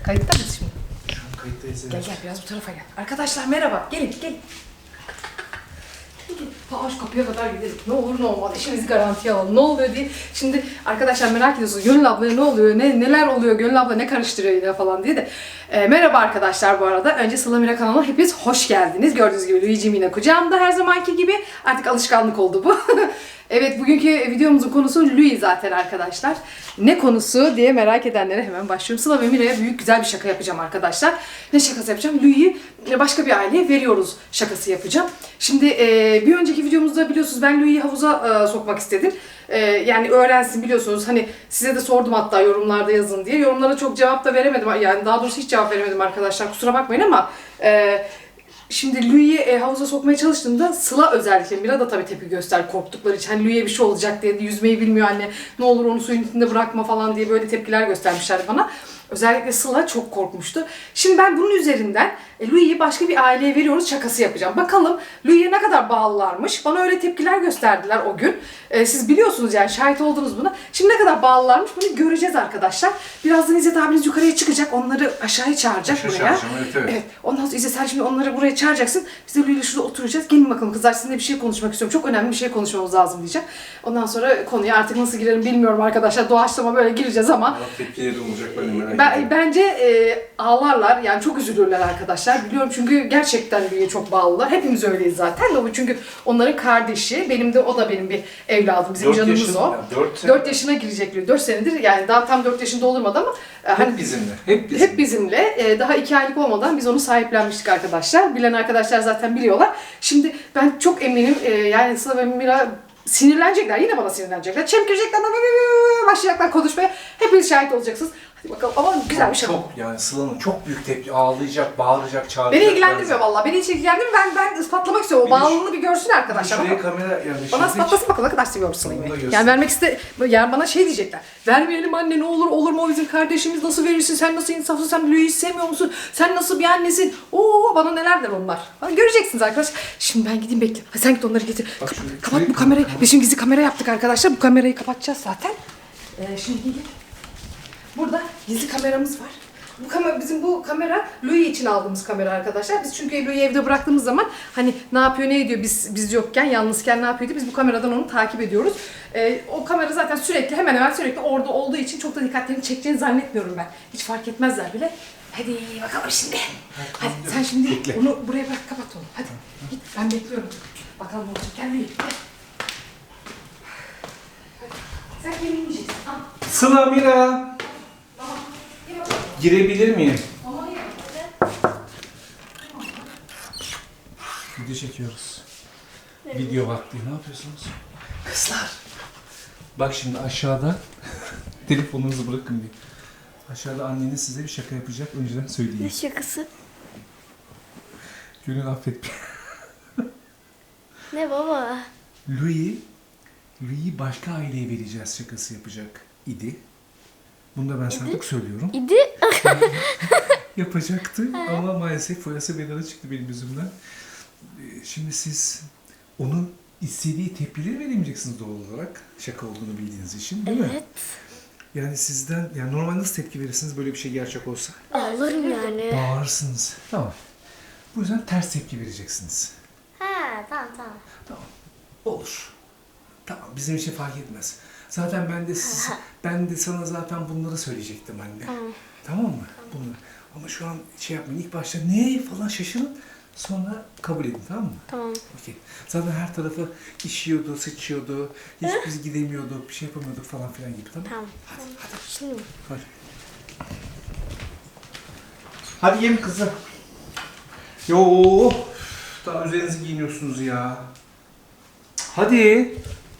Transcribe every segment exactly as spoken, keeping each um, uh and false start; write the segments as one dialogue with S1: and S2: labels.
S1: Kayıtta mıyız şimdi?
S2: Şu an kayıttayız.
S1: Gel gel biraz bu tarafa gel. Arkadaşlar merhaba. Gelin gelin. Ta şu kapıya kadar gidelim. Ne olur ne olmaz. İşimizi garantiye alalım. Ne oluyor diye. Şimdi arkadaşlar merak ediyorsunuz. Gönül ablaya ne oluyor? Ne, neler oluyor? Gönül abla ne karıştırıyor yine falan diye de. E, merhaba arkadaşlar bu arada. Önce Sıla Mira kanalına hepiniz hoş geldiniz. Gördüğünüz gibi Luigi'm yine kucağımda her zamanki gibi. Artık alışkanlık oldu bu. Evet, bugünkü videomuzun konusu Louis zaten arkadaşlar. Ne konusu diye merak edenlere hemen başlıyorum. Sıla ve Mira'ya büyük güzel bir şaka yapacağım arkadaşlar. Ne şakası yapacağım? Louis'i başka bir aileye veriyoruz şakası yapacağım. Şimdi e, bir önceki videomuzda biliyorsunuz ben Louis'i havuza e, sokmak istedim. E, yani öğrensin biliyorsunuz. Hani size de sordum hatta yorumlarda yazın diye. Yorumlara çok cevap da veremedim. Yani daha doğrusu hiç cevap veremedim arkadaşlar. Kusura bakmayın ama... E, Şimdi Louis'i e, havuza sokmaya çalıştığımda Sıla özellikle, Mira da tabii tepki göster korktukları için. Hani Louis'e bir şey olacak diye, yüzmeyi bilmiyor anne, ne olur onu suyun içinde bırakma falan diye böyle tepkiler göstermişler bana. Özellikle Sıla çok korkmuştu. Şimdi ben bunun üzerinden e, Louis'i başka bir aileye veriyoruz şakası yapacağım. Bakalım Louis'e ne kadar bağlılarmış. Bana öyle tepkiler gösterdiler o gün. E, siz biliyorsunuz yani, şahit oldunuz buna. Şimdi ne kadar bağlılarmış bunu göreceğiz arkadaşlar. Birazdan İzzet abiniz yukarıya çıkacak. Onları aşağıya çağıracak
S2: Aşağı
S1: buraya.
S2: çağıracağım, evet, evet.
S1: Evet. Ondan sonra İzzet sen şimdi onları buraya çağıracaksın. Biz de Louis'le şurada oturacağız. Gelin bakalım kızlar, sizinle bir şey konuşmak istiyorum. Çok önemli bir şey konuşmamız lazım diyeceğim. Ondan sonra konuya artık nasıl girerim bilmiyorum arkadaşlar. Doğaçlama böyle gireceğiz ama.
S2: Allah tepkileri olacak böyle merak
S1: Ben,
S2: ediyorum.
S1: bence e, ağlarlar yani, çok üzülürler arkadaşlar, biliyorum çünkü gerçekten Louis'e çok bağlılar. Hepimiz öyleyiz zaten de, bu çünkü onların kardeşi, benim de o da benim bir evladım, bizim canımız
S2: yaşın,
S1: o.
S2: Ya, dört
S1: dört yaşına girecek Louis, dört senedir yani, daha tam dört yaşında doldurmadı ama e,
S2: hep
S1: hani,
S2: bizimle, hep bizimle.
S1: hep bizimle. E, daha iki aylık olmadan biz onu sahiplenmiştik arkadaşlar. Bilen arkadaşlar zaten biliyorlar. Şimdi ben çok eminim e, yani Sıla ve Mira sinirlenecekler, yine bana sinirlenecekler. Çemkirecekler, başlayacaklar konuşmaya. Hepiniz şahit olacaksınız. Hadi bakalım, ama güzel bir şey.
S2: Çok yani Sıla'nın çok büyük tepki, ağlayacak, bağıracak, çağıracak.
S1: Beni ilgilendirmiyor vallahi. Beni hiç ilgilendirmiyor. Ben ben ispatlamak istiyorum. O
S2: Bir de şu-
S1: bağlılığını bir görsün arkadaşlar.
S2: Şuraya
S1: Bakalım.
S2: kamera yani.
S1: Bana
S2: şurada
S1: ispatlasın bakalım ne kadar seviyorsun
S2: Onu da
S1: Sıla'yı.
S2: göster.
S1: Yani vermek iste... Yani bana şey diyecekler. Vermeyelim anne, ne olur, olur mu, o bizim kardeşimiz, nasıl verirsin, sen nasıl insafsın, sen Louis'i sevmiyor musun, sen nasıl bir annesin, oo bana neler der onlar. Bana göreceksiniz arkadaşlar. Şimdi ben gideyim bekle. Hadi sen git onları getir.
S2: Bak
S1: Kap-
S2: şuraya-
S1: kapat
S2: şuraya
S1: bu kamerayı.
S2: kapat.
S1: Biz şimdi gizli kamera yaptık arkadaşlar. Bu kamerayı kapatacağız zaten. Ee, şimdi gidin. Burada gizli kameramız var. Bu kamera, bizim bu kamera Louis için aldığımız kamera arkadaşlar. Biz çünkü Louis'i evde bıraktığımız zaman hani ne yapıyor, ne ediyor, biz biz yokken, yalnızken ne yapıyordu, biz bu kameradan onu takip ediyoruz. Ee, o kamera zaten sürekli, hemen hemen sürekli orada olduğu için çok da dikkatlerini çekeceğini zannetmiyorum ben. Hiç fark etmezler bile. Hadi bakalım şimdi. Hadi sen şimdi
S2: Bekle.
S1: onu buraya bırak, kapat onu. Hadi git, ben bekliyorum. Bakalım ne olacak. Gel Louis. Gel. Hadi. Sen yemeğini yiyeceksin. Tamam.
S2: Sıla, Mira.
S1: Tamam. Gel bakalım.
S2: Girebilir miyim?
S1: Tamam, ye.
S2: Video çekiyoruz. Video vakti. Ne yapıyorsunuz? Kızlar. Bak şimdi aşağıda telefonunuzu bırakın bir. Aşağıda anneniz size bir şaka yapacak. Önceden söyleyeyim.
S3: Ne şakası?
S2: Gönül affet.
S3: Ne baba?
S2: Louis, Louis'i başka aileye vereceğiz şakası yapacak idi. Bunu da ben sadık söylüyorum.
S3: İdi.
S2: Yapacaktı ama maalesef foyası bedava çıktı benim yüzümden. Ee, Şimdi siz onun istediği tepkileri veremeyeceksiniz doğal olarak. Şaka olduğunu bildiğiniz için, değil mi?
S3: Evet.
S2: Yani sizden, yani normal nasıl tepki verirsiniz böyle bir şey gerçek olsa?
S3: Ağlarım yani.
S2: Bağırırsınız. Tamam. Bu yüzden ters tepki vereceksiniz.
S3: Ha tamam tamam.
S2: Tamam. Olur. Tamam, bizim için fark etmez. Zaten ben de siz, ben de sana zaten bunları söyleyecektim anne.
S3: Tamam.
S2: Tamam mı? Bunları. Ama şu an şey yapmayın. İlk başta ne falan şaşırın. Sonra kabul edin, tamam mı?
S3: Tamam.
S2: Okey. Zaten her tarafı işiyordu, sıçıyordu. Hiç biz gidemiyorduk, bir şey yapamıyorduk falan filan gibi, tamam mı?
S3: Tamam.
S2: Hadi, hadi.
S3: Şimdi mi?
S2: Hadi. Hadi yem kızım. Yo, daha üzerinizi giyiniyorsunuz ya. Hadi.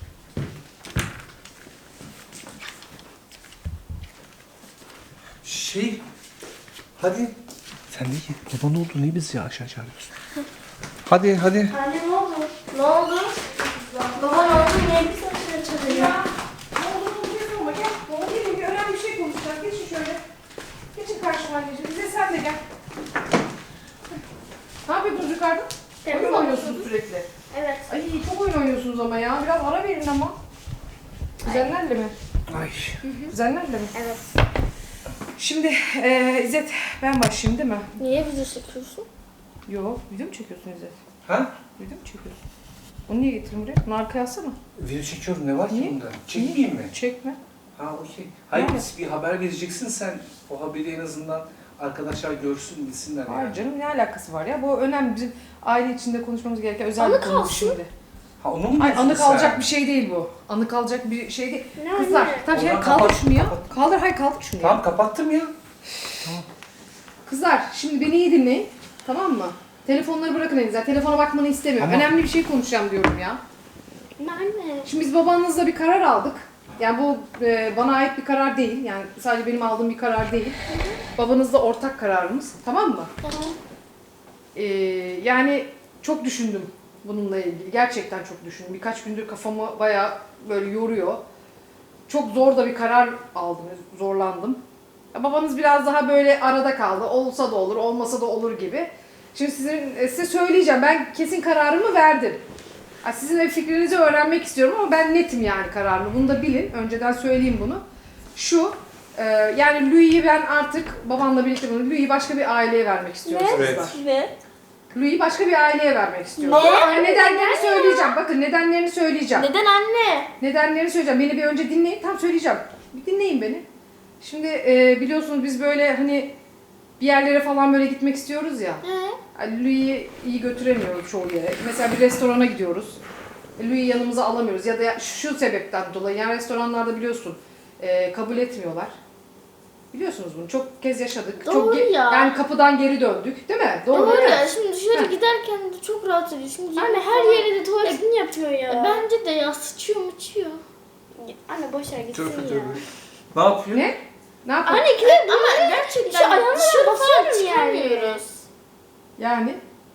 S2: Şey, hadi. Sen de ye. Baba ne oldu? Niye bizi ya aşağı çağırıyorsun? Hadi, hadi.
S3: Anne ne oldu? Ne oldu? Baba ne oldu? Niye bir saçını çalıyor?
S1: Ya, ne oldu bilmiyorum ama gel. Baba gelin, bir önemli bir şey konuşacağız. Geçin şöyle. Geçin karşıma anneciğim. Bize sen de gel. Ne yapıyordunuz yukarıda?
S3: Evet,
S1: Oyun mu oynuyorsunuz sürekli?
S3: Evet.
S1: Ay çok oyun oynuyorsunuz ama ya. Biraz ara verin ama. Kuzenlerle mi?
S2: Ay.
S1: Kuzenlerle mi?
S3: Evet.
S1: Şimdi e, İzzet ben başlayayım değil mi?
S3: Niye video çekiyorsun?
S1: Yok, video mu çekiyorsun İzzet?
S2: Ha?
S1: Video mu çekiyorsun? Onu niye getirdin buraya? Bunu arkaya alsana.
S2: Video çekiyorum, ne var ki
S1: Niye?
S2: bunda? Çekmeyeyim mi?
S1: Çekme.
S2: Ha okey. Hayır
S1: Yani.
S2: biz bir haber vereceksin sen. O haberi en azından arkadaşlar görsün, bilsinler
S1: Hayır
S2: yani.
S1: canım ne alakası var ya? Bu önemli. Bizim aile içinde konuşmamız gereken özel
S3: Anı
S1: bir konu
S3: kalsın.
S1: şimdi.
S2: Ha onu mu
S1: Ay
S2: diyorsun
S1: anı kalacak
S2: sen?
S1: bir şey değil bu. Anı kalacak bir şey değil.
S3: Ne
S1: Kızlar,
S3: anne?
S1: tamam şey
S2: Oradan
S1: kaldır
S2: kapat,
S1: şunu ya.
S2: kapat.
S1: Kaldır, hayır kaldır şunu ya.
S2: Tamam kapattım ya.
S1: Kızlar şimdi beni iyi dinleyin. Tamam mı? Telefonları bırakın elinizden. Telefona bakmanı istemiyorum.
S2: Ama-
S1: Önemli bir şey konuşacağım diyorum ya.
S3: Anne.
S1: Şimdi biz babanızla bir karar aldık. Yani bu e, bana ait bir karar değil. Yani sadece benim aldığım bir karar değil. Babanızla ortak kararımız. Tamam mı?
S3: Tamam.
S1: Ee, yani çok düşündüm bununla ilgili. Gerçekten çok düşündüm. Birkaç gündür kafamı bayağı böyle yoruyor. Çok zor da bir karar aldım. Zorlandım. Ya babanız biraz daha böyle arada kaldı. Olsa da olur, olmasa da olur gibi. Şimdi sizin, e, size söyleyeceğim. Ben kesin kararımı verdim. Ya sizin de fikrinizi öğrenmek istiyorum ama ben netim yani kararımı. Bunu da bilin. Önceden söyleyeyim bunu. Şu, e, yani Louis'i ben artık babamla birlikte bunu Louis'i başka bir aileye vermek istiyorum.
S3: Ne?
S2: Evet.
S1: kızlar.
S3: Evet.
S1: Louis'i başka bir aileye vermek istiyorum.
S3: Ne?
S1: Ama
S3: Anne,
S1: nedenlerini
S3: neden ya?
S1: söyleyeceğim. Bakın nedenlerini söyleyeceğim.
S3: Neden anne?
S1: Nedenlerini söyleyeceğim. Beni bir önce dinleyin. Tam söyleyeceğim. Bir dinleyin beni. Şimdi e, biliyorsunuz biz böyle hani bir yerlere falan böyle gitmek istiyoruz ya.
S3: He?
S1: Yani Louis'i iyi götüremiyoruz çoğu yere. Mesela bir restorana gidiyoruz. E, Louis'i yanımıza alamıyoruz. Ya da ya- şu sebepten dolayı. Yani restoranlarda biliyorsun e, kabul etmiyorlar. Biliyorsunuz bunu. Çok kez yaşadık.
S3: Doğru
S1: çok ge-
S3: ya.
S1: Yani kapıdan geri döndük. Değil mi? Doğru,
S3: Doğru
S1: değil mi?
S3: ya. Şimdi dışarı
S1: Heh.
S3: giderken de çok rahat ediyor. Şimdi
S4: Anne
S3: yemek
S4: her
S3: falan-
S4: yere de tuvaletini yapıyor ya.
S3: E, Bence de ya sıçıyor muçuyor.
S4: Anne boş ver gitsin
S2: Tövbe
S4: ya.
S2: tövbe. Ne yapıyor?
S1: Ne? Ne yapalım?
S4: Anne ikide
S3: Ama gerçekten
S4: Şu ayağına
S3: dışarı falan
S4: basıyorum yani.
S3: çıkamıyoruz.
S1: Yani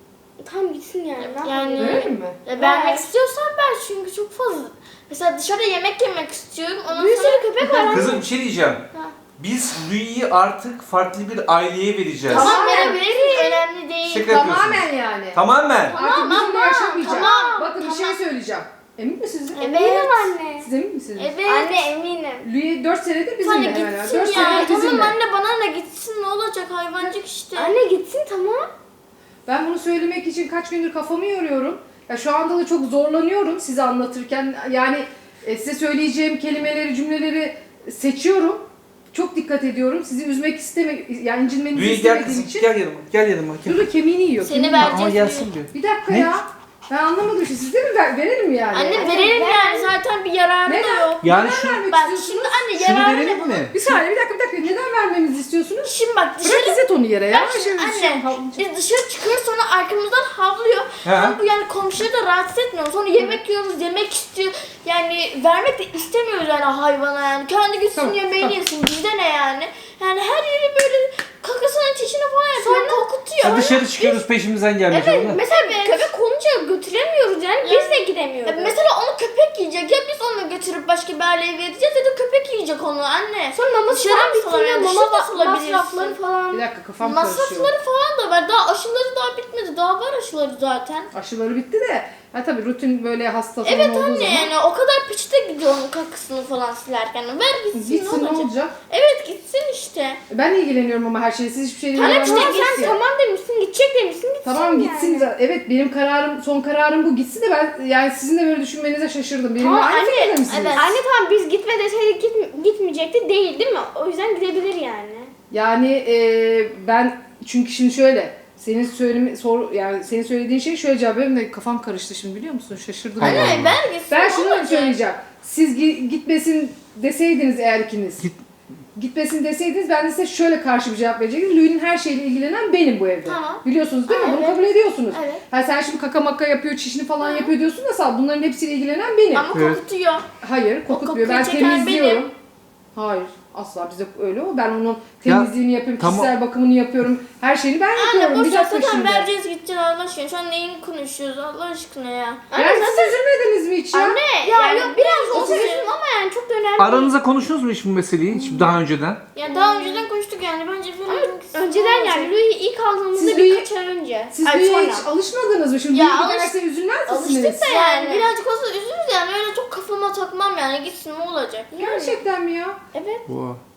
S4: tam gitsin yani. ne
S3: Yani-
S4: yapalım?
S1: verelim mi?
S3: Ya vermek istiyorsan ver çünkü çok fazla. Mesela dışarıda yemek yemek istiyorum. Ondan
S4: Bir
S3: sonra
S4: sürü köpek var.
S2: Kızım bir şey diyeceğim.
S3: Ha.
S2: Biz Louis'i artık farklı bir aileye vereceğiz.
S3: tamam
S1: Tamamen.
S3: verebiliriz. Önemli değil.
S2: Şaka yapıyorsunuz.
S1: Tamamen yani.
S2: Tamamen.
S3: Tamam
S1: Artık bizimle
S3: ama,
S1: yaşamayacak.
S3: tamam,
S1: Bakın bir
S3: tamam.
S1: şey söyleyeceğim. Emin misiniz?
S3: Evet.
S4: Eminim anne.
S1: Siz emin misiniz?
S3: Evet.
S4: Anne eminim.
S1: Louis dört senedir
S3: Hani
S1: bizimle hemen.
S3: gitsin
S1: dört
S3: ya.
S1: senedir
S3: Tamam
S1: bizimle.
S3: anne bana ne gitsin ne olacak hayvancık işte.
S4: Anne gitsin tamam.
S1: Ben bunu söylemek için kaç gündür kafamı yoruyorum. Ya şu anda da çok zorlanıyorum size anlatırken. Yani e, size söyleyeceğim kelimeleri, cümleleri seçiyorum. Çok dikkat ediyorum. Sizi üzmek isteme, yani incinmenizi
S2: Louis gel
S1: istemediğim
S2: kızım,
S1: için.
S2: gel yanıma. Gel yanıma. Gel.
S1: Dur kemiğini yiyor.
S3: Seni
S1: kemiğini.
S3: ver-
S2: Ama gelsin diyor.
S1: Bir dakika
S2: Ne?
S1: ya. Ben anlamadım işte. Siz de mi ver, verelim mi yani?
S3: Anne
S1: Yani
S3: verelim
S4: ver.
S3: yani zaten bir yararı da
S1: Neden?
S3: yok.
S2: Yani
S1: neden
S2: şu,
S1: vermek
S3: Bak
S1: istiyorsunuz?
S3: şimdi anne
S2: şunu
S3: yararı
S2: verelim
S3: ne
S2: mi?
S1: Bir saniye bir dakika bir dakika. Neden vermemizi istiyorsunuz?
S3: Şimdi bak
S1: Bırak
S3: dışarı
S1: İzzet onu yere ya.
S3: Bak şimdi
S1: Şimdi
S3: anne
S1: şey-
S3: biz dışarı çıkıyoruz sonra arkamızdan havlıyor.
S2: He.
S3: Ama bu yani komşuları da rahatsız etmiyor. Sonra yemek yiyoruz, yemek istiyor. Yani vermek de istemiyoruz yani hayvana yani. Kendi gitsin
S1: Tamam,
S3: yemeğini
S1: tamam.
S3: yesin. Bizde ne yani? Yani her yeri böyle kakasının çişini falan yapıyor. Korkutuyor.
S2: Ya dışarı çıkıyoruz peşimizden gelmeyecek.
S4: Evet
S2: ulan.
S4: mesela köpek olunca götüremiyoruz yani. Biz de
S3: Ya
S4: gidemiyoruz.
S3: mesela onu köpek yiyecek. Ya biz onu götürüp başka bir aileye vereceğiz ya da köpek yiyecek onu anne.
S4: Sonra maması
S3: Dışarı
S4: falan
S3: mı
S4: bitiyor.
S3: salamıyor?
S4: Mama
S3: Dışarıda
S4: ma-
S3: salabilirsin.
S4: masrafları falan.
S1: Bir dakika kafam karışıyor.
S3: Masrafları falan da var. Daha aşıları daha bitmedi. Daha var aşıları zaten.
S1: Aşıları bitti de. Ha tabii rutin böyle hasta falan
S3: Evet
S1: olduğu
S3: anne
S1: zaman.
S3: yani o kadar piçte gidiyor onun kakısını falan silerken. Ver gitsin,
S1: Gitsin
S3: ne
S1: ne
S3: olacak?
S1: olacak?
S3: Evet gitsin işte.
S1: Ben ilgileniyorum ama her şeyi. Siz hiçbir şeyle
S3: Tamam
S1: ilgilenmiyorsunuz
S3: işte
S4: Sen
S1: ki.
S4: tamam demişsin gidecek demişsin gitsin
S1: Tamam
S4: yani.
S1: gitsin. zaten. Evet benim kararım, son kararım bu gitsin de ben yani sizin de böyle düşünmenize şaşırdım. Benimle
S4: Tamam,
S1: aynı
S4: anne,
S1: fikirde misiniz?
S3: evet.
S4: Anne tamam biz gitme deseydik git, gitmeyecekti değil değil mi? O yüzden gidebilir yani.
S1: Yani e, ben çünkü şimdi şöyle senin söylemi sor yani senin söylediğin şey şöyle cevap benim de kafam karıştı şimdi biliyor musun? Şaşırdım.
S2: Allah
S1: yani.
S2: Allah.
S3: Anne ver gitsin.
S1: Ben
S3: ne
S1: şunu
S3: olacak?
S1: söyleyeceğim. Siz gi- gitmesin deseydiniz eğer ikiniz.
S2: Git.
S1: Gitmesin deseydiniz ben de size şöyle karşı bir cevap verecektim. Louis'nin her şeyle ilgilenen benim bu evde.
S3: Tamam.
S1: Biliyorsunuz değil mi? Bunu
S3: Evet.
S1: kabul ediyorsunuz.
S3: Evet.
S1: Ha sen şimdi kaka maka yapıyor, çişini falan yapıyor diyorsun da sağ bunların hepsiyle ilgilenen benim.
S3: Ama
S2: Evet.
S3: kokutuyor.
S1: Hayır, kokutmuyor. Ben
S3: kokuyu çeken
S1: temizliyorum.
S3: benim.
S1: Hayır, asla bize öyle o. Ben onun temizliğini yapıyorum,
S2: tamam.
S1: kişisel bakımını yapıyorum. Her şeyini ben
S3: Anne
S1: yapıyorum.
S3: boş
S1: Bir
S3: ver
S1: dakika
S3: zaten
S1: şimdi.
S3: vereceğiz gideceğiz Allah aşkına. Şu an neyini konuşuyoruz Allah aşkına ya.
S1: Yani siz üzülmediniz mi hiç ya?
S3: Anne
S4: Ya
S3: yani
S4: yok biraz olsa
S3: üzüldüm
S4: üzüldüm ama yani çok da önemli değil.
S2: Aranızda konuştunuz mu hiç bu meseleyi hiç daha önceden?
S3: Ya daha önceden konuştuk yani bence
S4: Ama
S3: verelim gitsin.
S4: önceden yani Louis ilk aldığımızda
S1: Siz
S4: birkaç
S1: Louis-
S4: ay önce.
S1: Siz
S4: Ay,
S1: Louis'e
S4: sonra.
S1: hiç alışmadınız mı? Şimdi
S3: Ya
S1: Louis
S3: alış-
S1: giderse üzülmez misiniz?
S3: Alıştık da yani.
S4: Yani.
S3: Birazcık olsa üzülürüz yani öyle çok kafama takmam yani gitsin ne olacak.
S1: Gerçekten mi ya?
S4: Evet.
S2: Bu.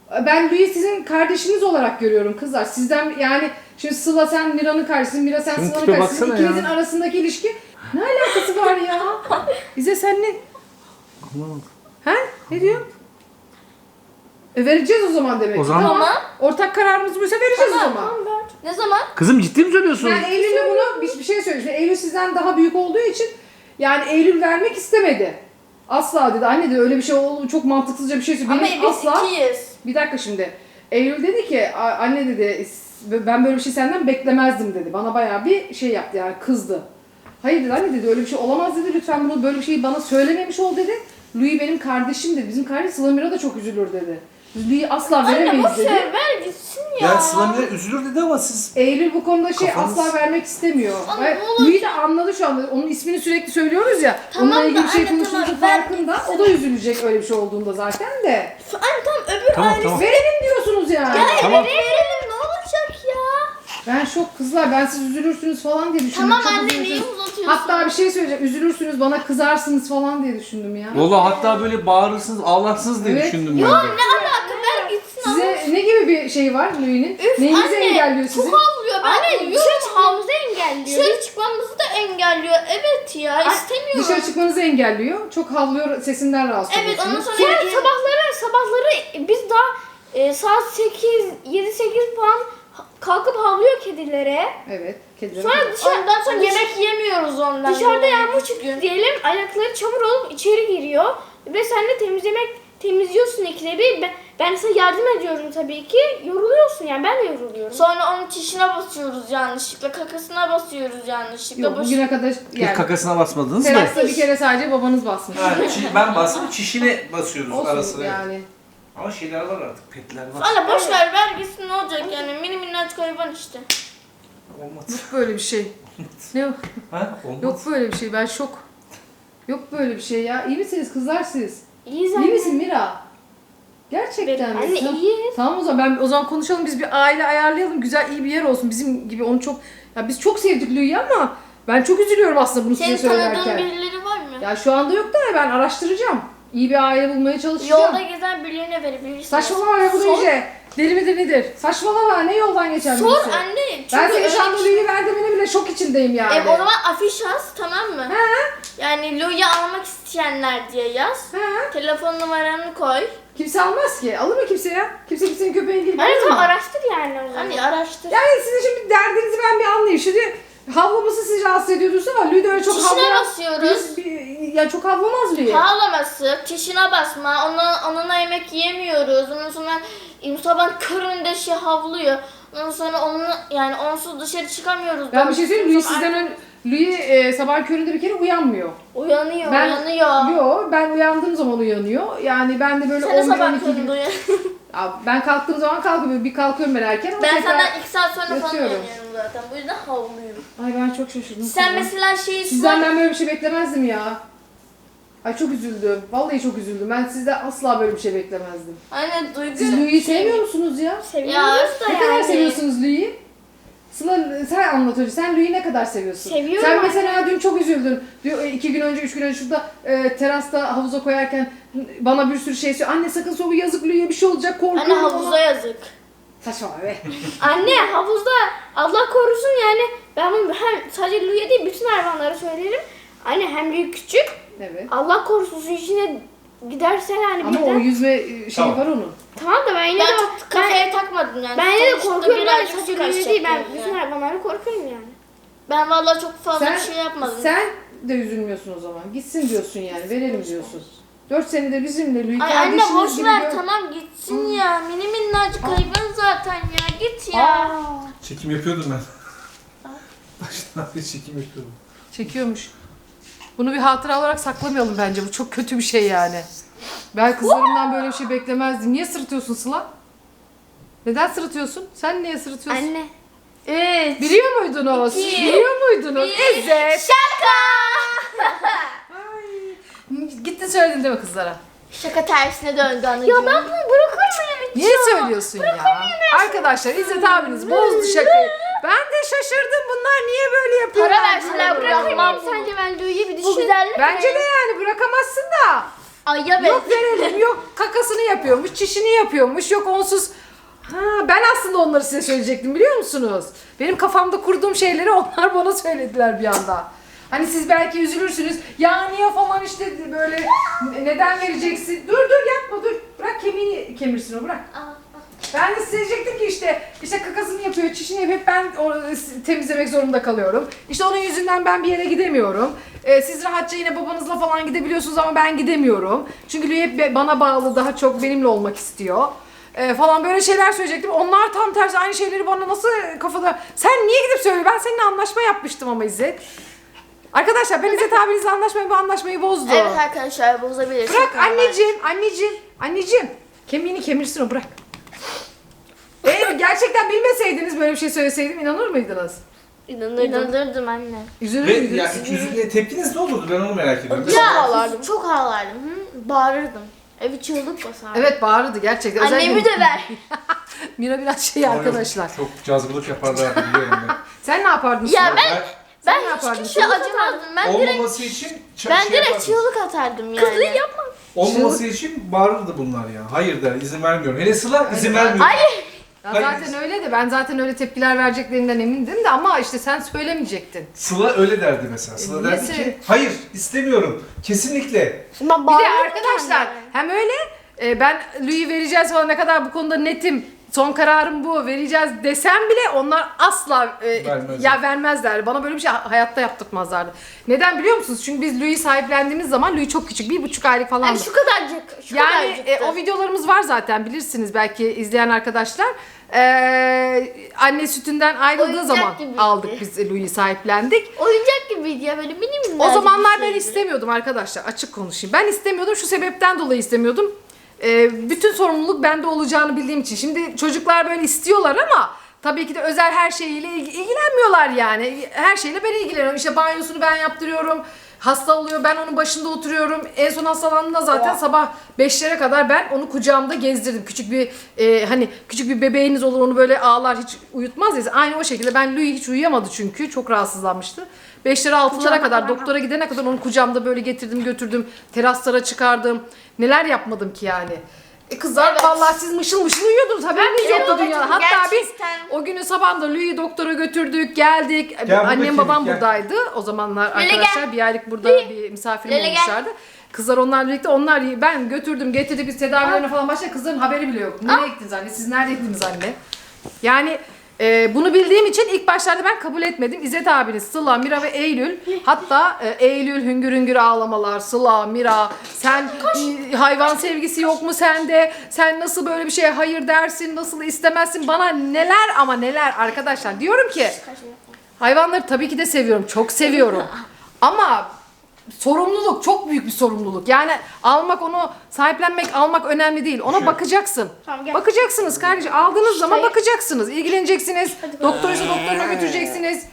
S1: Ben Louis'i sizin kardeşiniz olarak görüyorum kızlar. Sizden yani şimdi Sıla sen Mira'nın kardeşisin, Mira sen
S2: Şunun
S1: Sıla'nın
S2: tipe
S1: kardeşisin.
S2: baksana ya.
S1: İkinizin arasındaki ilişki ne alakası var ya? Bize sen ne?
S2: Anlamadım.
S1: He? Ne diyor? E vereceğiz o zaman demek.
S2: O
S1: ki.
S2: zaman-
S1: Tamam. Ortak kararımız buysa vereceğiz o zaman.
S3: Ne zaman?
S2: Kızım ciddi mi söylüyorsun?
S1: Yani Eylül'le bunu bir, bir şey söyleyeyim. Eylül sizden daha büyük olduğu için yani Eylül vermek istemedi. Asla dedi. Anne dedi öyle bir şey oldu. Çok mantıksızca bir şey söyledi.
S3: Ama
S1: Benim
S3: biz
S1: asla...
S3: ikiyiz.
S1: Bir dakika şimdi. Eylül dedi ki "A- anne dedi ben böyle bir şey senden beklemezdim dedi. Bana bayağı bir şey yaptı yani kızdı. Hayır dedi anne dedi öyle bir şey olamaz dedi. Lütfen bunu böyle bir şeyi bana söylememiş ol dedi. Louis benim kardeşim dedi. Bizim kardeş Sıla Mira da çok üzülür dedi. Louis'i asla
S3: Anne
S1: veremeyiz
S3: boş
S1: dedi.
S3: ver ver gitsin ya.
S2: Ya Sıla Mira üzülür dedi ama siz...
S1: Eylül bu konuda şey
S2: Kafanız-
S1: asla vermek istemiyor.
S3: Ama
S1: Ve
S3: ne olur-
S1: Louis de anladı şu anda. Onun ismini sürekli söylüyoruz ya.
S3: Tamam
S1: onunla
S3: da
S1: ilgili bir şey
S3: anne,
S1: konuştuğumuzun
S3: tamam, ver
S1: farkında.
S3: gitsin.
S1: O da üzülecek öyle bir şey olduğunda zaten de.
S3: Anne tam öbür
S2: Tamam
S3: ailesi.
S2: tamam.
S1: Verelim diyorsunuz yani.
S3: Ya
S2: Tamam.
S3: verelim verelim ne olacak ya?
S1: Ben şok kızlar. Ben siz üzülürsünüz falan diye düşündüm.
S3: Tamam
S1: Çok
S3: anne
S1: üzülürsünüz.
S3: niye uzatıyorsun?
S1: Hatta bir şey söyleyeceğim. Üzülürsünüz, bana kızarsınız falan diye düşündüm ya.
S2: Valla hatta böyle bağırırsınız, ağlarsınız diye
S1: Evet.
S2: düşündüm
S3: Yo
S2: ben de.
S3: ne alaka ver gitsin ama.
S1: Size ne gibi bir şey var Louis'nin?
S3: Üf,
S1: Neyinizi
S3: anne,
S1: engelliyor sizin?
S3: Çok havlıyor. Ben
S4: Anne
S3: de
S4: dışarı çıkmamızı engelliyor.
S3: Dışarı çıkmamızı da engelliyor. Evet ya istemiyorum.
S1: Dışarı çıkmanızı engelliyor. Çok havlıyor, sesinden rahatsız
S3: Evet ondan
S1: oluyorsunuz.
S3: sonra
S4: Yani sabahları sabahları biz daha e, saat sekiz yedi sekiz falan kalkıp havlıyor kedilere.
S1: Evet, kediler.
S4: Sonra dışarı,
S3: ondan sonra
S4: dış-
S3: yemek yemiyoruz ondan.
S4: dışarıda
S3: dolayı.
S4: yağmur çıktı diyelim, ayakları çamur olup içeri giriyor ve sen de temizlemek temizliyorsun ikide bir. Ben, ben sana yardım ediyorum tabii ki. Yoruluyorsun yani, ben de yoruluyorum.
S3: Sonra onun çişine basıyoruz yanlışlıkla, kakasına basıyoruz yanlışlıkla.
S1: Yok,
S3: Boş-
S1: bugüne kadar
S2: Hiç
S1: yani
S2: kakasına basmadınız mı?
S1: terasta bir kere sadece babanız basmış.
S2: ben bastım, çişine basıyoruz
S1: Olsun yani.
S2: Ama şeyler var artık, petler var.
S3: Anne boş ver ver gitsin ne olacak yani mini minnacık hayvan işte.
S2: Olmaz.
S1: Yok böyle bir şey. Ne o?
S2: Ha? Olmaz.
S1: Yok böyle bir şey. Ben şok. Yok böyle bir şey ya. İyi misiniz kızlar siz?
S4: İyiyiz
S1: İyi
S4: anne.
S1: misin Mira? Gerçekten mi?
S4: Anne
S1: Tamam.
S4: iyi.
S1: Tamam o zaman ben o zaman konuşalım, biz bir aile ayarlayalım, güzel iyi bir yer olsun bizim gibi. Onu çok ya biz çok sevdik Louis'i ama ben çok üzülüyorum aslında bunu
S3: Senin
S1: size
S3: tanıdığın
S1: söylerken.
S3: birileri var mı?
S1: Ya şu anda yok da ben araştıracağım. İyi bir aile bulmaya çalışacağım.
S3: Yolda gezen birilerine verebilirsin.
S1: Saçmalama ya, bu da
S3: Sor.
S1: iyice. Deli midir nedir? Saçmalama, ne yoldan geçen
S3: Sor
S1: birisi?
S3: anne. Çünkü
S1: Ben senin
S3: öyle
S1: şu anda
S3: bir şey-
S1: Louis'i verdiğimine bile şok içindeyim yani.
S3: E, o zaman afiş yaz tamam mı?
S1: He?
S3: Yani Louis'i almak isteyenler diye yaz.
S1: He?
S3: Telefon numaranı koy.
S1: Kimse almaz ki. Alır mı kimse ya? Kimse kimsenin köpeğini gibi
S4: Anne
S1: alır
S4: tamam
S1: mı?
S4: araştır yani o zaman.
S3: Hani araştır.
S1: Yani sizin şimdi derdinizi ben bir anlayayım. Şimdi havlaması sizi rahatsız ediyordur ama Louis de öyle çok
S3: Çişine
S1: havlayan...
S3: basıyoruz.
S1: Bir- bir- Ya çok havlamaz Louis.
S3: Ağlaması, çişine basma, ona, onunla yemek yemiyoruz. Ondan sonra e, sabah köründe şey havlıyor. Ondan sonra onu yani onsuz dışarı çıkamıyoruz.
S1: Ben bir şey söyleyeyim, Louis
S3: Sonra
S1: sizden ön... Louis e, sabah köründe bir kere uyanmıyor.
S3: Uyanıyor,
S1: Ben-
S3: uyanıyor.
S1: Yo, ben uyandığım zaman uyanıyor. Yani ben de böyle
S3: Sen de
S1: on bir on
S3: sabah
S1: iki
S3: köründe
S1: gibi...
S3: uyan.
S1: Ya ben kalktığım zaman kalkıyorum. Bir kalkıyorum ben erken ama
S3: Ben
S1: tekrar...
S3: senden iki saat sonra falan
S1: yatıyorum.
S3: uyanıyorum zaten. Bu yüzden havlıyorum.
S1: Ay ben çok şaşırdım.
S3: Sen
S1: kızım.
S3: mesela şeyi
S1: Sizden
S3: sor.
S1: ben böyle bir şey beklemezdim ya. Ay çok üzüldüm. Vallahi çok üzüldüm. Ben sizden asla böyle bir şey beklemezdim.
S3: Anne duygu.
S1: Siz Louis'i sevmiyor musunuz ya?
S4: Seviyoruz
S3: Ya
S4: da
S1: Ne
S4: yani.
S1: kadar seviyorsunuz Louis'i? Sıla sen anlat önce. Sen Louis'i ne kadar seviyorsun?
S4: Seviyorum
S1: Sen
S4: anne.
S1: mesela dün çok üzüldün. Diyor, iki gün önce, üç gün önce şurada e, terasta havuza koyarken bana bir sürü şey söylüyor. Anne sakın soğuk, yazık Louis'e bir şey olacak, korkuyorum.
S3: Anne havuza yazık.
S1: Saçmalama be.
S4: Anne havuzda Allah korusun yani, ben bunu hem sadece Louis'e değil bütün hayvanlara söylerim. Anne hem büyük küçük,
S1: Evet.
S4: Allah korusun su içine giderse yani
S1: Ama
S4: birden.
S1: o yüzme e, şeyi
S2: Tamam.
S1: var onun.
S4: Tamam da ben yine
S3: Ben
S4: de
S3: çok kafaya takmadım yani.
S4: ben yine de
S3: Sonuçta
S4: korkuyorum, ben
S3: birazcık
S4: sadece
S3: su
S4: Louis'e değil, ben
S3: kaçacak
S4: bütün
S3: yani.
S4: hayvanlara korkuyorum yani.
S3: Ben vallahi çok fazla
S1: Sen,
S3: bir şey yapmadım.
S1: sen de üzülmüyorsun o zaman. Gitsin diyorsun yani. Verelim diyorsun. Dört senedir bizimle Louis
S3: Ay anne
S1: kardeşiniz
S3: boş
S1: gibi
S3: ver
S1: gör-
S3: tamam gitsin ya. Mini minnacık hayvan zaten ya. Git ya.
S4: Aa.
S2: Çekim yapıyordum ben. Baştan beri çekim yapıyordum.
S1: Çekiyormuş. Bunu bir hatıra olarak saklamayalım bence. Bu çok kötü bir şey yani. Ben kızlarımdan böyle bir şey beklemezdim. Niye sırıtıyorsun Sıla? Neden sırıtıyorsun? Sen niye sırıtıyorsun?
S4: Anne.
S3: Evet.
S1: Biliyor muydunuz?
S3: İki,
S1: Biliyor muydunuz?
S3: bir,
S1: Evet.
S3: Şaka.
S1: Ay. Gittin söyledin değil mi kızlara?
S3: Şaka tersine döndü anacığım.
S4: Ya ben bunu bırakır mıyım hiç?
S1: Niye söylüyorsun ya? Arkadaşlar İzzet abiniz bozdu şakayı. Ben de şaşırdım, bunlar niye böyle yapıyorlar?
S3: Para verseler
S4: Bırakır
S3: bırakmam
S4: mıyım
S3: bunu.
S4: sence ben Louis'i bir
S3: Bu
S4: düşün.
S3: güzellik
S1: Bence
S3: mi?
S1: de yani bırakamazsın da.
S3: Ay ya
S1: Yok verelim, yok kakasını yapıyormuş, çişini yapıyormuş, yok onsuz. Ha, ben aslında onları size söyleyecektim biliyor musunuz? Benim kafamda kurduğum şeyleri onlar bana söylediler bir anda. Hani siz belki üzülürsünüz. Ya niye falan işte böyle neden vereceksin? Dur dur yapma dur. Bırak kemiğini kemirsin o bırak. Ben de size diyecektim ki işte işte kakasını yapıyor, çişini yapıyor. Hep ben o, temizlemek zorunda kalıyorum. İşte onun yüzünden ben bir yere gidemiyorum. Ee, siz rahatça yine babanızla falan gidebiliyorsunuz ama ben gidemiyorum. Çünkü Lüye hep bana bağlı, daha çok benimle olmak istiyor. Ee, falan böyle şeyler söyleyecektim. Onlar tam tersi aynı şeyleri bana nasıl kafada... Sen niye gidip söylüyorsun? Ben seninle anlaşma yapmıştım ama İzzet. Arkadaşlar ben İzzet abinizle anlaşmayı, bu anlaşmayı bozdu.
S3: Evet arkadaşlar bozabilir.
S1: Bırak
S3: Çok normal.
S1: anneciğim, anneciğim, anneciğim. Kemiğini kemirsin o bırak. Eğer gerçekten bilmeseydiniz böyle bir şey söyleseydim inanır mıydınız?
S4: İnanırdım.
S3: İnanırdım anne.
S1: Üzülür
S2: Ve
S1: müydünüz?
S2: ya üzüldüğünde tepkiniz ne olurdu ben onu merak ediyorum.
S3: Ya
S4: ağlardım.
S3: çok ağlardım. Hı? Bağırırdım. Evi çığlık basardım.
S1: Evet bağırdı gerçekten.
S3: Annemi de ver.
S1: Mira biraz şey arkadaşlar.
S2: Çok cazgılık yaparlardı biliyorum ben.
S1: Sen ne yapardın?
S3: Ya
S1: Sıla?
S3: ben
S1: Sen ne
S3: ben
S1: yapardın?
S3: hiçbir şey acımazdım. Ben direkt
S2: Olmaması için ç-
S3: ben
S2: şey
S3: direkt
S2: yapardım.
S3: çığlık atardım yani.
S4: Kızı yapma.
S2: Olmaması için bağırırdı bunlar ya. Hayır der, izin vermiyorum. Hele Sıla izin vermiyor.
S3: Hayır.
S1: Ya
S2: Hayır.
S1: zaten öyle de ben zaten öyle tepkiler vereceklerinden emindim de ama işte sen söylemeyecektin.
S2: Sıla öyle derdi mesela. Sıla
S1: E,
S2: derdi
S1: niye
S2: ki
S1: söyle-
S2: hayır istemiyorum. Kesinlikle.
S4: Şimdi ben
S1: Bir de
S4: bağırırdım
S1: arkadaşlar
S4: kendime.
S1: hem öyle e, ben Louis'i vereceğiz falan ne kadar bu konuda netim. Son kararım bu vereceğiz desem bile onlar asla e,
S2: Vermezler.
S1: ya vermezler. Bana böyle bir şey hayatta yaptırtmazlardı. Neden biliyor musunuz? Çünkü biz Louis'i sahiplendiğimiz zaman Louis çok küçük. Bir buçuk aylık falan.
S3: Yani şu kadarcık. Şu
S1: Yani
S3: kadarcıktı.
S1: e, o videolarımız var zaten bilirsiniz belki izleyen arkadaşlar. Ee, anne sütünden ayrıldığı
S3: Oyuncak
S1: zaman
S3: gibiydi.
S1: aldık biz Louis'i sahiplendik.
S3: Oyuncak gibiydi ya böyle mini mini.
S1: O zamanlar ben
S3: şeydi.
S1: istemiyordum arkadaşlar açık konuşayım. Ben istemiyordum şu sebepten dolayı istemiyordum. Ee, bütün sorumluluk bende olacağını bildiğim için. Şimdi çocuklar böyle istiyorlar ama tabii ki de özel her şeyiyle ilgi- ilgilenmiyorlar yani. Her şeyle ben ilgileniyorum. İşte banyosunu ben yaptırıyorum. Hasta oluyor ben onun başında oturuyorum. En son hastalandığında zaten sabah beşlere kadar ben onu kucağımda gezdirdim. Küçük bir e, hani küçük bir bebeğiniz olur onu böyle ağlar hiç uyutmaz ya. Aynı o şekilde ben Louis hiç uyuyamadı çünkü çok rahatsızlanmıştı. beşlere altılara kadar doktora gidene kadar onu kucağımda böyle getirdim götürdüm. Teraslara çıkardım. Neler yapmadım ki yani. E kızlar
S3: Evet.
S1: vallahi siz mışıl mışıl uyuyordunuz haberiniz yoktu
S3: evet,
S1: dünyada. Hatta
S3: gerçekten.
S1: biz o günün sabahında Louis'i doktora götürdük geldik.
S2: Gel
S1: Annem
S2: bakayım,
S1: babam
S2: gel.
S1: buradaydı. O zamanlar
S3: Lele
S1: arkadaşlar
S3: gel.
S1: bir aylık burada bir misafirim
S3: Lele gel.
S1: olmuşlardı. Kızlar onlarla birlikte onlar ben götürdüm getirdik biz tedavilerine falan başladık. Kızların haberi bile yok. Nereye gittiniz anne? Siz neredeydiniz anne? Yani e, bunu bildiğim için ilk başlarda ben kabul etmedim. İzzet abiniz, Sıla, Mira ve Eylül. Hatta e, Eylül hüngür hüngür ağlamalar. Sıla, Mira sen e, hayvan sevgisi yok mu sende? Sen nasıl böyle bir şeye hayır dersin? Nasıl istemezsin? Bana neler ama neler arkadaşlar. Diyorum ki hayvanları tabii ki de seviyorum. Çok seviyorum. Ama sorumluluk çok büyük bir sorumluluk. Yani almak onu sahiplenmek almak önemli değil. Ona bakacaksın.
S4: Tamam, gel.
S1: Bakacaksınız kardeşim. Aldığınız zaman
S4: Hayır.
S1: bakacaksınız. İlgileneceksiniz. Doktoruysa doktoruna götüreceksiniz.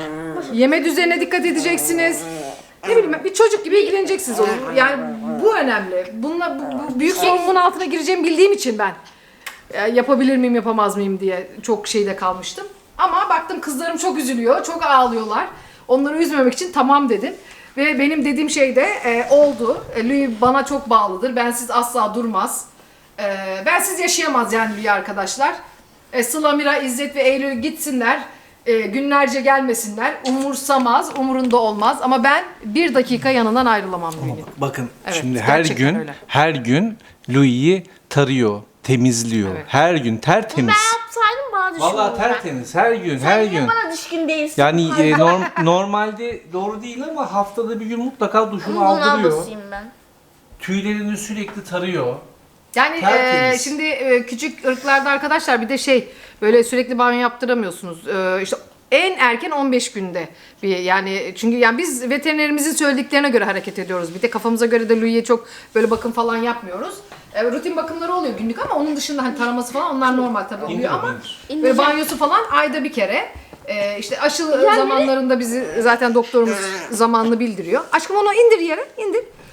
S1: Yeme düzenine dikkat edeceksiniz. Ne bileyim bir çocuk gibi ilgileneceksiniz onu. Yani bu önemli. Bununla bu, bu büyük sorumluluğun altına gireceğimi bildiğim için ben e, yapabilir miyim yapamaz mıyım diye çok şeyde kalmıştım. Ama baktım kızlarım çok üzülüyor. Çok ağlıyorlar. Onları üzmemek için tamam dedim. Ve benim dediğim şey de e, oldu. E, Louis bana çok bağlıdır. Bensiz asla durmaz. E, bensiz yaşayamaz yani Louis arkadaşlar. E, Sıla, Mira, İzzet ve Eylül gitsinler. E, günlerce gelmesinler. Umursamaz, umurunda olmaz. Ama ben bir dakika yanından ayrılamam Louis'in.
S2: Bakın
S1: Evet,
S2: şimdi her
S1: gerçekten
S2: gün
S1: öyle.
S2: her gün Louis'i tarıyor, temizliyor.
S1: Evet.
S2: Her gün tertemiz.
S3: Ben yapsaydım bana düşkün
S2: Vallahi
S3: olurdu.
S2: tertemiz her gün her
S3: Niye
S2: gün.
S3: bana düşkün değilsin?
S2: Yani e, norm- normalde doğru değil ama haftada bir gün mutlaka duşunu
S3: Bunun
S2: aldırıyor.
S3: ablasıyım ben.
S2: Tüylerini sürekli tarıyor.
S1: Yani e,
S2: Tertemiz.
S1: şimdi e, küçük ırklarda arkadaşlar bir de şey böyle sürekli banyo yaptıramıyorsunuz. E, işte en erken on beş günde bir yani çünkü yani biz veterinerimizin söylediklerine göre hareket ediyoruz. Bir de kafamıza göre de Louis'e çok böyle bakım falan yapmıyoruz. E, rutin bakımları oluyor günlük ama onun dışında hani taraması falan onlar normal tabii oluyor
S2: İndir,
S1: ama
S2: indir.
S1: böyle banyosu falan ayda bir kere. E, işte aşı zamanlarında bizi zaten doktorumuz zamanlı bildiriyor. Aşkım onu indir yere indir.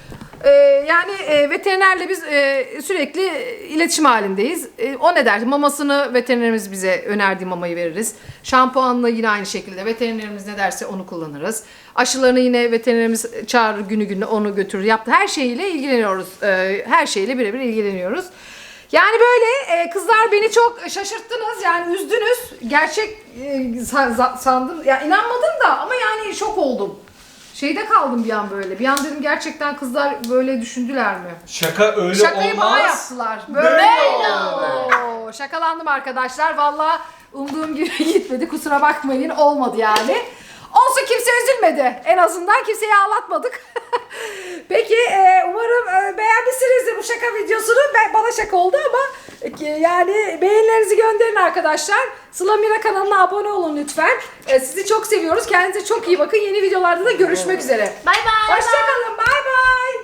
S1: Ee, yani e, veterinerle biz e, sürekli iletişim halindeyiz. E, o ne der? Mamasını veterinerimiz bize önerdiği mamayı veririz. Şampuanla yine aynı şekilde veterinerimiz ne derse onu kullanırız. Aşılarını yine veterinerimiz çağırır, günü gününe onu götürür. Yaptı her şeyiyle ilgileniyoruz. E, her şeyle birebir ilgileniyoruz. Yani böyle e, kızlar beni çok şaşırttınız, yani üzdünüz. Gerçek e, sa- sandım, ya inanmadım da ama yani şok oldum. Şeyde kaldım bir an böyle. Bir an dedim gerçekten kızlar böyle düşündüler mi?
S2: Şaka öyle
S1: Şakayı
S2: olmaz.
S1: bana yaptılar. Böyle,
S2: Böyle
S1: Oo, şakalandım arkadaşlar. Valla umduğum gibi gitmedi. Kusura bakmayın, olmadı yani. Olsun, kimse üzülmedi. En azından kimseyi ağlatmadık. Peki e, umarım e, beğenmişsinizdir bu şaka videosunu. Ben, bana şaka oldu ama e, yani beğenilerinizi gönderin arkadaşlar. Sıla Mira kanalına abone olun lütfen. E, sizi çok seviyoruz. Kendinize çok iyi bakın. Yeni videolarda da görüşmek üzere.
S3: Bay bay.
S1: Hoşçakalın. Bay bay.